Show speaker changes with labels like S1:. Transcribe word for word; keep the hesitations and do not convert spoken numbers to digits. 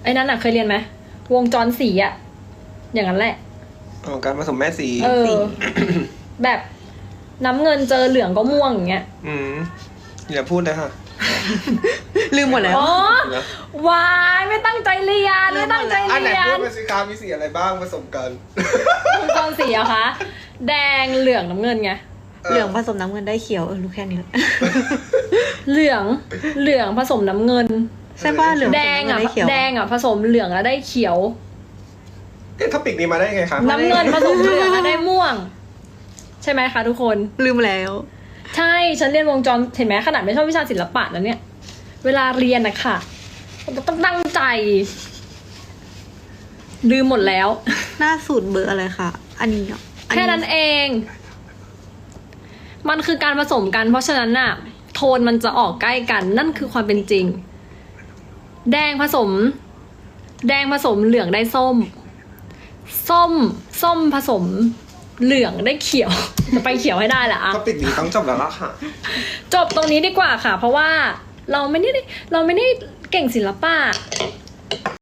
S1: ไอ้นั้นอ่ะเคยเรียนไหมวงจรสีอะอย่างนั้นแหละ
S2: อ๋อการผสมแม่สี
S1: เออ แบบน้ำเงินเจอเหลืองก็ม่วงอย่างเงี้ย
S2: อืมอย่าพูดเลยค่ะ
S3: ลืมหมดแล้ว
S1: อ๋อวายไม่ตั้งใจเรียนไม่ตั้งใจ
S2: อันไหน
S1: เรีย
S2: พู
S1: น
S2: ดมาสิคะมีสีอะไรบ้างผสมกัน
S1: วงจรสีอะคะแดงเหลืองน้ำเงินไง
S3: เหลืองผสมน้ำเงินได้เขียวเออรู้แค่นี้แหละ
S1: เหลืองเหลืองผสมน้ำเงิน
S3: ใช่ป่ะเหลืองผสม
S1: แดงอะ
S3: น้ำเงินได้เขียว
S1: แดงอะผสมเหลืองแล้วได้เขียว
S2: เอ๊ะท็อปิกนี้มาได้ไงคะ
S1: น้ำเงินผสมเหลืองแล้วได้ม่วง ใช่ไหมคะทุกคน
S3: ลืมแล้ว
S1: ใช่ฉันเรียนวงจรเห็นไหมขนาดไม่ชอบวิชาศิลปะนะเนี่ย เวลาเรียนนะค่ะต้องตั้งใจลืมหมดแล้ว
S3: หน้าสูตรเบอร์อะไรคะอันนี้เหรออั
S1: แค่นั้นเอง มันคือการผสมกัน เพราะฉะนั้นน่ะ โทนมันจะออกใกล้กัน นั่นคือความเป็นจริง แดงผสม แดงผสมเหลืองได้ส้ม ส้ม ส้มผสมเหลืองได้เขียว จะไปเขียวให้ได้แหละอะ
S2: ท็อปิกนี้ต้องจบแล้วล่ะค่ะ
S1: จบตรงนี้ดีกว่าค่ะ เพราะว่าเราไม่ได้เราไม่ได้เก่งศิลปะ